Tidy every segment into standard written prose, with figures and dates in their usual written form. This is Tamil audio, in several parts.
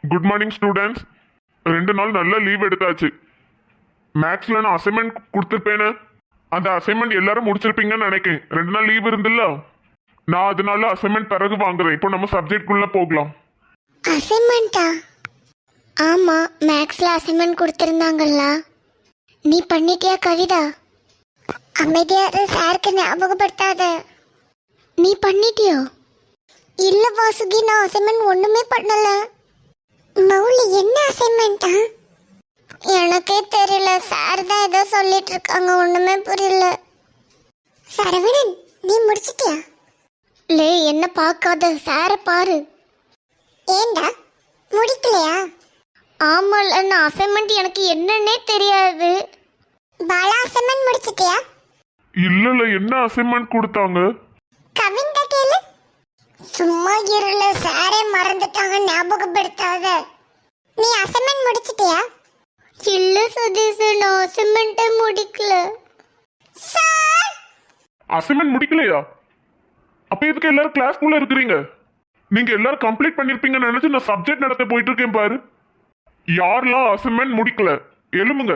Good morning students. 2 நாள் நல்ல லீவ் எடுத்தாச்சு. மேக்ஸ்ல நான் அசைன்மெண்ட் கொடுத்துருப்பேன்னு அந்த அசைன்மெண்ட் எல்லாரும் முடிச்சிருப்பீங்கன்னு நினைக்கிறேன். 2 நாள் லீவ் இருந்தில்ல, நான் அதனால அசைன்மெண்ட் பிறகு வாங்குறேன். இப்போ நம்ம சப்ஜெக்ட்குள்ள போகலாம். அசைன்மெண்ட்டா? ஆமா, மேக்ஸ்ல அசைன்மெண்ட் கொடுத்திருந்தாங்கல்ல. நீ பண்ணிட்டியா கவிதா? அமைதியாரு, சாருக்கு ஞாபகப்படுத்தாத. நீ பண்ணிட்டியோ? இல்ல வாசுகி, நான் அசைன்மெண்ட் ஒண்ணுமே பண்ணல. மௌலி, என்ன அசைன்மெண்டா? எனக்கே தெரியல, சார் தான் ஏதோ சொல்லிட்டு இருக்காங்க, ஒண்ணுமே புரியல. சரவணன், நீ முடிச்சிட்டியா? லே, என்ன பார்க்காத, சாரை பாரு. ஏண்டா முடிக்கலையா? ஆமால, நான் அசைன்மெண்ட் எனக்கு என்னன்னே தெரியாது. பாலா, அசைன்மெண்ட் முடிச்சிட்டியா? இல்ல, என்ன அசைன்மெண்ட் கொடுத்தாங்க? கவின் கேளு. சும்மா இருல, சாரே மறந்துட்டாங்க, ஞாபகப்படுத்தாத. நீ அசைன்மெண்ட் முடிச்சிட்டியா? இல்ல சதீஷ், நான் அசைன்மெண்ட்டே முடிக்கல. சார், அசைன்மெண்ட் முடிக்கலையா? அப்ப எதுக்கு எல்லாரும் கிளாஸ்க்குள்ள இருக்கிறீங்க? நீங்க எல்லாரும் கம்ப்ளீட் பண்ணிருப்பீங்கன்னு நினைச்சு நான் சப்ஜெக்ட் நடத்த போயிட்டு இருக்கேன் பாரு. யாரெல்லாம் அசைன்மெண்ட் முடிக்கல எழுமுங்க.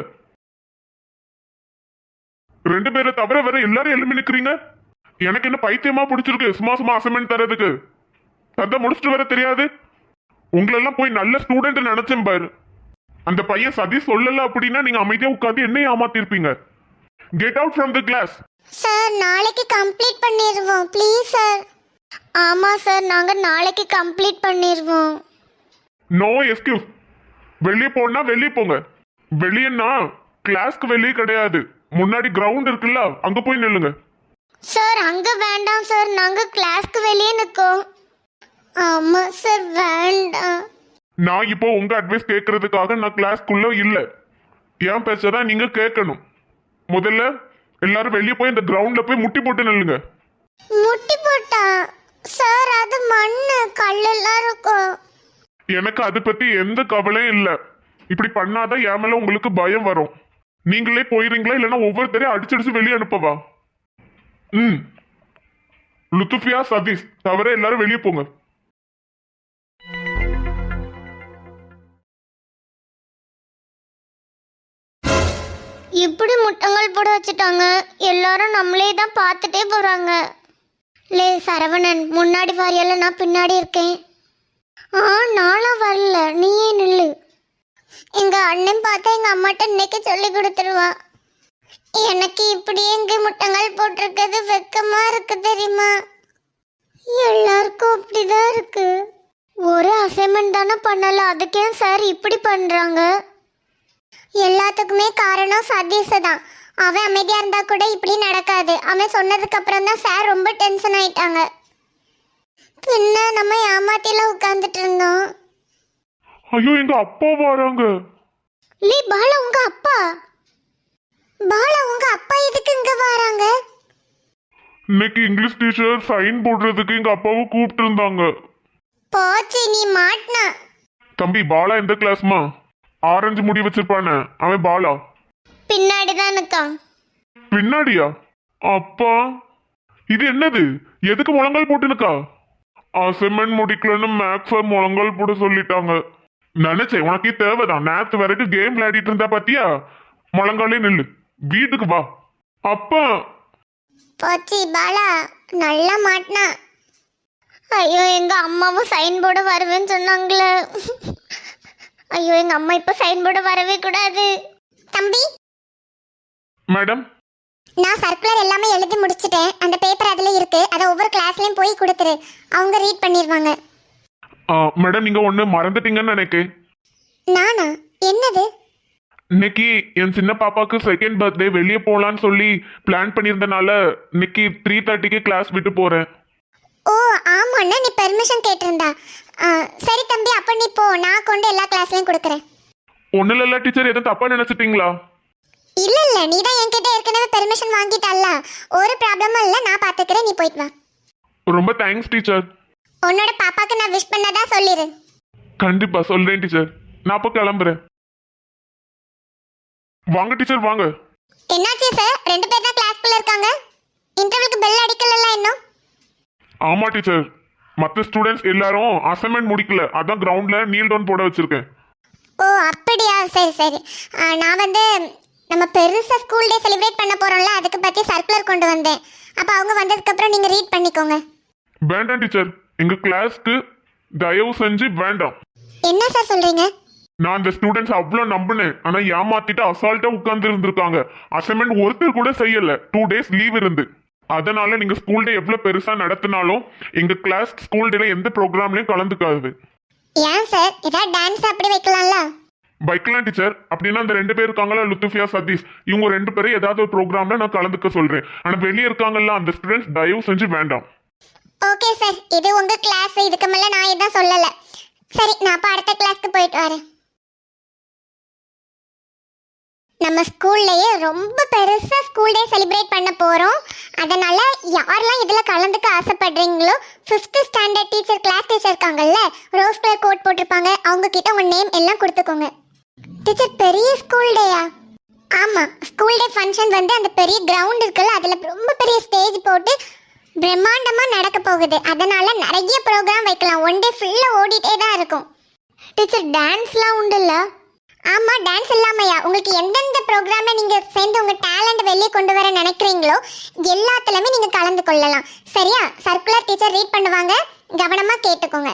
2 பேரை தவிர வேற எல்லாரும் எழுமி நிக்கிறீங்க. எனக்கு என்ன பைத்தியமா பிடிச்சிருக்கு சும்மா சும்மா அசைன்மெண்ட் தரதுக்கு? அதை முடிச்சுட்டு வர தெரியாது? உங்களெல்லாம் போய் நல்ல ஸ்டூடெண்ட் நினைச்சேன் பாரு. அந்த பையன் சதீஷ் சொல்லல அப்படின்னா நீங்க அமைதியா உட்காந்து என்ன ஏமாத்திருப்பீங்க. Get out from the class. Sir, நாளைக்கு கம்ப்ளீட் பண்ணிடுவோம் ப்ளீஸ் சார். ஆமா சார், நாங்க நாளைக்கு கம்ப்ளீட் பண்ணிடுவோம். No excuse. வெளியே போனா வெளியே போங்க. வெளியேன்னா கிளாஸ்க்கு வெளியே கிடையாது, முன்னாடி கிரவுண்ட் இருக்குல்ல, அங்க போய் நில்லுங்க. சார், அங்க வேண்டாம் சார், நாங்க கிளாஸ்க்கு வெளியே நிக்கோம். ஆமா சார், வேண்டாம். நான் இப்போ உங்க அட்வைஸ் கேட்கறதுக்காக நான் கிளாஸ்க்குள்ள இல்ல. ஏன் பேச்சதான் நீங்க கேட்கணும். முதல்ல எல்லாரும் வெளியே போய் இந்த கிரவுண்ட்ல போய் முட்டி போட்டு நில்லுங்க. முட்டி போட்டா? சார், அது மண்ணு கல்லெல்லாம் இருக்கும். எனக்கு அதை பத்தி எந்த கவலையும் இல்ல. இப்படி பண்ணாதான் என் மேல உங்களுக்கு பயம் வரும். நீங்களே போயிருங்களா, இல்லைன்னா ஒவ்வொருத்தரையும் அடிச்சடிச்சு வெளியே அனுப்பவா? லுத்துஃபியா, சதீஷ் தவிர எல்லாரும் வெளியே போங்க. இப்படி முட்டங்கள் போட வச்சுட்டாங்க, எல்லாரும் நம்மளே தான் பார்த்துட்டே போறாங்க. லே சரவணன், முன்னாடி வாரியால, நான் பின்னாடி இருக்கேன். நானும் வரல, நீயே நில்லு. எங்க அண்ணன் பார்த்தா எங்க அம்மாட்ட இன்னைக்கு சொல்லி கொடுத்துருவா. எனக்கு இப்படி எங்க முட்டங்கள் போட்டிருக்கிறது வெக்கமா இருக்கு தெரியுமா? எல்லாருக்கும் அப்படிதான் இருக்கு. ஒரு அசைன்மெண்ட் தானே பண்ணல, அதுக்கே சார் இப்படி பண்றாங்க. எல்லாத்துக்குமே காரணம் சதீஷ் தான். அவன் அமைதியா இருந்தா கூட இப்படி நடக்காது. அவன் சொன்னதுக்கு அப்புறம் தான் சார் ரொம்ப டென்ஷன் ஆயிட்டாங்க. பின்ன நம்ம ஏமாத்தில உட்கார்ந்துட்டு இருந்தோம். ஐயோ, எங்க அப்பா வராங்க. லே பாலா, உங்க அப்பா? பாலா, உங்க அப்பா எதுக்கு இங்க வராங்க? இன்னைக்கு இங்கிலீஷ் டீச்சர் சைன் போடுறதுக்கு எங்க அப்பாவை கூப்பிட்டு இருந்தாங்க. போச்சு, நீ மாட்டினா. தம்பி, பாலா எந்த கிளாஸ்மா? ஆரஞ்சு முடி வச்சிருப்பானே அவன் பாலா. பின்னாடிதான் இருக்கான். பின்னாடியா? அப்பா, இது என்னது? எதுக்கு முழங்கால் போட்டுனுக்கா? அசைன்மெண்ட் முடிக்கலன்னு மேக்ஸ முழங்கால் போட சொல்லிட்டாங்க. நினைச்சேன் உனக்கு தேவைதான். நேத்து வரைக்கும் கேம் விளையாடிட்டு இருந்தா பாத்தியா? முழங்காலே நில்லு, வீட்டுக்கு வா. அப்பா, போச்சு பாலா, நல்லா மாட்டினா. ஐயோ, எங்க அம்மாவும் சைன் போர்டு வருவேன்னு சொன்னாங்களே. ஐயோ, எங்க அம்மா இப்ப சைன் போர்டு வரவே கூடாது. தம்பி, மேடம், நான் சர்க்குலர் எல்லாமே எழுதி முடிச்சிட்டேன். அந்த பேப்பர் அதுல இருக்கு, அதை ஒவ்வொரு கிளாஸ்லயும் போய் கொடுத்துரு, அவங்க ரீட் பண்ணிடுவாங்க. மேடம், நீங்க ஒண்ணு மறந்துட்டீங்கன்னு நினைக்கிறேன். நானா? என்னது? இன்னைக்கு என் சின்ன பாப்பாக்கு செகண்ட் பர்த்டே, வெளியே போலான்னு சொல்லி பிளான் பண்ணியிருந்தனால இன்னைக்கு 3:30க்கு கிளாஸ் விட்டு போறேன். ஓ ஆமாண்ணா, நீ பெர்மிஷன் கேட்டிருந்தா. சரி தம்பி, அப்ப நீ போ, நான் கொண்டு எல்லா கிளாஸ்லயும் கொடுக்குறேன். ஒன்னும் இல்ல டீச்சர், எதுவும் தப்பா நினைச்சிட்டீங்களா? இல்ல இல்ல, நீ தான் என்கிட்ட ஏற்கனவே பெர்மிஷன் வாங்கிட்டல்ல, ஒரு ப்ராப்ளமும் இல்ல, நான் பாத்துக்கிறேன், நீ போயிட்டு வா. ரொம்ப தேங்க்ஸ் டீச்சர். உன்னோட பாப்பாக்கு நான் விஷ் பண்ணதா சொல்லிரு. கண்டிப்பா சொல்றேன் டீச்சர். நான் அப்போ கிளம்புறேன். வாங்க டீச்சர், வாங்க. என்னாச்சு சார்? 2 பேர் தான் கிளாஸ்க்குள்ள இருக்காங்க. இன்டர்வலுக்கு பெல் அடிக்கலல்ல இன்னும்? ஆமா டீச்சர், மற்ற ஸ்டூடெண்ட்ஸ் எல்லாரும் அசைன்மெண்ட் முடிக்கல, அதான் கிரவுண்ட்ல நீல் டவுன் போட வச்சிருக்கேன். ஓ அப்படியா, சரி சரி. நான் வந்து நம்ம பெருசாக ஸ்கூல் டே செலிப்ரேட் பண்ண போகிறோம்ல, அதுக்கு பற்றி சர்க்குலர் கொண்டு வந்தேன். அப்போ அவங்க வந்ததுக்கப்புறம் நீங்கள் ரீட் பண்ணிக்கோங்க. வேண்டாம் டீச்சர், எங்க கிளாஸ்க்கு தயவு செஞ்சு வேண்டாம். என்ன சார் சொல்கிறீங்க? நான் அந்த ஸ்டூடெண்ட்ஸ் அவ்வளோ நம்பினேன், ஆனா ஏமாத்திட்டு அசால்ட்டா உட்கார்ந்து இருந்திருக்காங்க. அசைன்மெண்ட் ஒருத்தர் கூட செய்யல, 2 days லீவ் இருந்து. அதனால நீங்க ஸ்கூல் டே எவ்வளவு பெருசா நடத்தினாலும் எங்க கிளாஸ் ஸ்கூல் டேல எந்த ப்ரோக்ராம்லயும் கலந்துக்காது. ஏன் சார், ஏதாவது டான்ஸ் அப்படி வைக்கலாம்ல? வைக்கலாம் டீச்சர். அப்படின்னா அந்த 2 பேர் இருக்காங்களா, லுத்துஃபியா சதீஷ், இவங்க 2 பேரும் ஏதாவது ஒரு ப்ரோக்ராம்ல நான் கலந்துக்க சொல்றேன். ஆனா வெளியே இருக்காங்கல்ல அந்த ஸ்டூடெண்ட்ஸ் தயவு செஞ்சு வேண்டாம். ஓகே சார், இது உங்க கிளாஸ், இதுக்கு மேலே நான் எதுவும் சொல்லலை. சரி, நான் அப்போ அடுத்த கிளாஸ்க்கு போயிட்டு வரேன். நம்ம ஸ்கூல்லையே ரொம்ப பெருசாக ஸ்கூல் டே செலிப்ரேட் பண்ண போகிறோம். அதனால் யாரெல்லாம் இதில் கலந்துக்க ஆசைப்படுறீங்களோ 5th standard teacher, class teacher இருக்காங்கல்ல, ரோஸ் கலர் கோட் போட்டிருப்பாங்க, அவங்கக்கிட்ட உங்கள் நேம் எல்லாம் கொடுத்துக்கோங்க. டீச்சர், பெரிய ஸ்கூல் டேயா? ஆமாம், ஸ்கூல் டே ஃபங்க்ஷன் வந்து அந்த பெரிய கிரவுண்ட் இருக்குல்ல, அதில் ரொம்ப பெரிய ஸ்டேஜ் போட்டு பிரம்மாண்டமாக நடக்க போகுது. அதனால் நிறைய ப்ரோக்ராம் வைக்கலாம். 1 day ஃபுல்லாக ஓடிட்டே தான் இருக்கும். டீச்சர், டான்ஸ்லாம் உண்டுல்ல? ஆமாம், டான்ஸ் இல்லாமையா? உங்களுக்கு எந்தெந்த ப்ரோக்ராமில் நீங்கள் சேர்ந்து உங்கள் டேலண்ட் வெளியே கொண்டு வர நினைக்கிறீங்களோ எல்லாத்துலேயுமே நீங்கள் கலந்து கொள்ளலாம். சரியா? சர்க்குலர் டீச்சர் ரீட் பண்ணுவாங்க, கவனமாக கேட்டுக்கோங்க.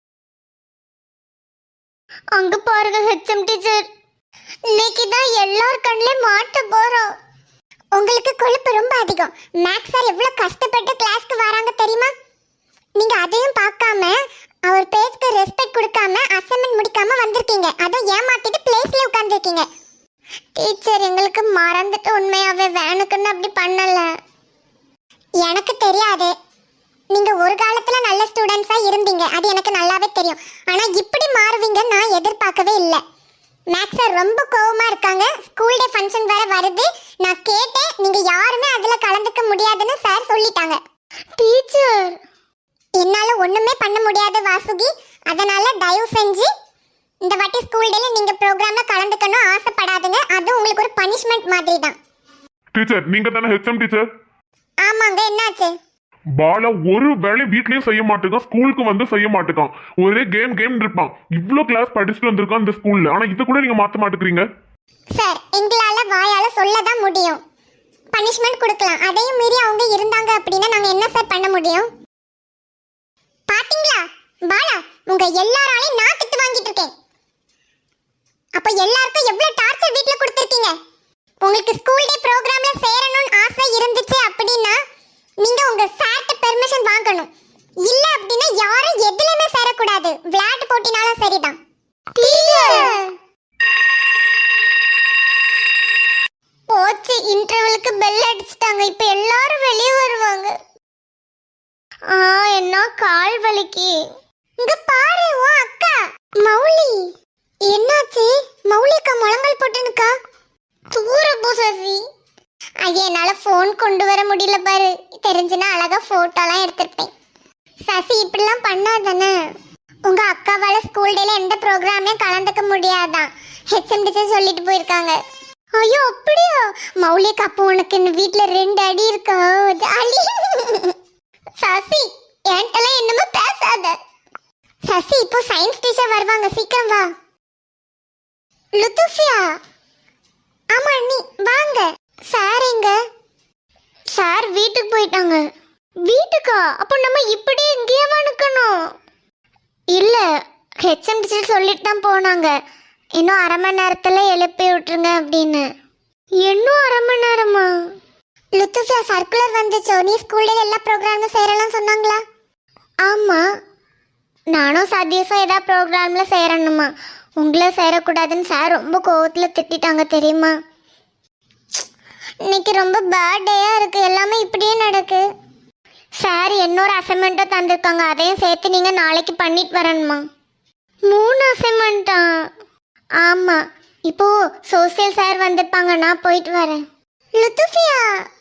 அங்கே பாருங்க ஹெச்எம் டீச்சர், இன்னைக்கு தான் எல்லார் கண்ணிலையும் மாட்ட போகிறோம். உங்களுக்கு கொழுப்பு ரொம்ப அதிகம். மேக்ஸ் சார் எவ்வளோ கஷ்டப்பட்டு கிளாஸ்க்கு வராங்க தெரியுமா? நீங்கள் அதையும் பார்க்காம அவர் பேச்சுக்கு ரெஸ்பெக்ட் கொடுக்காம அசைன்மெண்ட் முடிக்காம வந்திருக்கீங்க. அதுவும் ஏமாத்திட்டு பிளேஸ்ல உட்காந்துருக்கீங்க. டீச்சர், எங்களுக்கு மறந்துட்டு உண்மையாவே வேணுக்குன்னு அப்படி பண்ணல. எனக்கு தெரியாது. நீங்க ஒரு காலத்துல நல்ல ஸ்டூடெண்ட்ஸா இருந்தீங்க, அது எனக்கு நல்லாவே தெரியும். ஆனா இப்படி மாறுவீங்கன்னு நான் எதிர்பார்க்கவே இல்லை. மேக்ஸ் சார் ரொம்ப கோவமா இருக்காங்க. ஸ்கூல் டே ஃபங்க்ஷன் வேற வருது. நான் கேட்டேன், நீங்க யாருமே அதுல கலந்துக்க முடியாதுன்னு சார் சொல்லிட்டாங்க. டீச்சர், என்னால ஒண்ணுமே பண்ண முடியாது வாசுகி. அதனால தயவு செஞ்சு இந்த வாட்டி ஸ்கூல் டேல நீங்க ப்ரோக்ராம்ல கலந்துக்கணும் ஆசைப்படாதுங்க. அது உங்களுக்கு ஒரு பனிஷ்மெண்ட் மாதிரி தான். டீச்சர், நீங்க தானே ஹெச்எம் டீச்சர்? ஆமாங்க, என்னாச்சு? பாலா ஒரு வேலை வீட்லயும் செய்ய மாட்டேங்கான், ஸ்கூலுக்கு வந்து செய்ய மாட்டேங்கான். ஒரே கேம் கேம் இருப்பான். இவ்ளோ கிளாஸ் படிச்சுட்டு வந்திருக்கான் இந்த ஸ்கூல்ல, ஆனா இது கூட நீங்க மாத்த மாட்டேங்கிறீங்க. சார், எங்களால வாயால சொல்லதான் முடியும். பனிஷ்மெண்ட் கொடுக்கலாம். அதையும் மீறி அவங்க இருந்தாங்க அப்படின்னா நாங்க என்ன சார் பண்ண முடியும்? பாத்தீங்களா பாலா, உங்க எல்லாராலையும் நான் திட்டு வாங்கிட்டு இருக்கேன். அப்ப எல்லாருக்கும் எவ்வளவு டார்ச்சர் வீட்ல கொடுத்திருக்கீங்க. உங்களுக்கு ஸ்கூல் டே ப்ரோக்ராம்ல சேரணும்னு ஆசை இருந்துச்சு அப்படின்னா நீங்க உங்க சார்ட்ட பெர்மிஷன் வாங்கணும். இல்ல அப்படின்னா யாரும் எதுலயுமே சேரக்கூடாது. விளையாட்டு போட்டினாலும் சரிதான். போச்சு, இன்டர்வலுக்கு பெல் அடிச்சிட்டாங்க. இப்ப எல்லாரும் வெளியே வருவாங்க. என்ன கால் வலிக்கு. இங்க பாரு, ஓ அக்கா மௌலி. என்னாச்சு? மௌலி அக்கா முழங்கால் போட்டுனுக்கா. தூர போ சசி. ஐயா, என்னால போன் கொண்டு வர முடியல பாரு. தெரிஞ்சுனா அழகா போட்டோலாம் எடுத்திருப்பேன். சசி, இப்படிலாம் பண்ணாதானே. உங்க அக்காவால ஸ்கூல் டேல எந்த ப்ரோக்ராமையும் கலந்துக்க முடியாதான். ஹெச்எம் டீச்சர் சொல்லிட்டு போயிருக்காங்க. ஐயோ அப்படியா? மௌலி அக்கா, அப்போ உனக்கு வீட்டுல 2 அடி இருக்கா? ஜாலி. சசி, என்கிட்டலாம் என்னமோ பேசாத. சசி, இப்போ சயின்ஸ் டீச்சர் வருவாங்க, சீக்கிரம் வா. லுத்துஃபியா. ஆமா நீ வாங்க. சார் எங்க? சார் வீட்டுக்கு போயிட்டாங்க. வீட்டுக்கா? அப்போ நம்ம இப்படி இங்கேயே நிக்கணும். இல்ல, ஹெச்எம் டீச்சர் சொல்லிட்டு தான் போனாங்க, இன்னும் 1/2 மணி நேரத்துல எழுப்பி விட்டுருங்க அப்படின்னு. இன்னும் 1/2 மணி நேரமா? லுத்துஃபியா, சர்க்குலர் வந்துச்சோ, நீ ஸ்கூல்ல எல்லா ப்ரோக்ராமும் சேரலாம் சொன்னாங்களா? ஆமா, நானும் சதீஷும் ஏதாவது ப்ரோக்ராம்ல சேரணுமா? உங்களை சேரக்கூடாதுன்னு சார் ரொம்ப கோவத்தில் திட்டாங்க தெரியுமா? இன்னைக்கு ரொம்ப பேட் டேயா இருக்கு, எல்லாமே இப்படியே நடக்கு. சார் இன்னொரு அசைன்மெண்ட்டை தந்திருக்காங்க, அதையும் சேர்த்து நீங்கள் நாளைக்கு பண்ணிட்டு வரணுமா? 3 அசைன்மெண்ட்டா? ஆமாம், இப்போ சோசியல் சார் வந்திருப்பாங்க, நான் போயிட்டு வரேன். லுத்துஃபியா,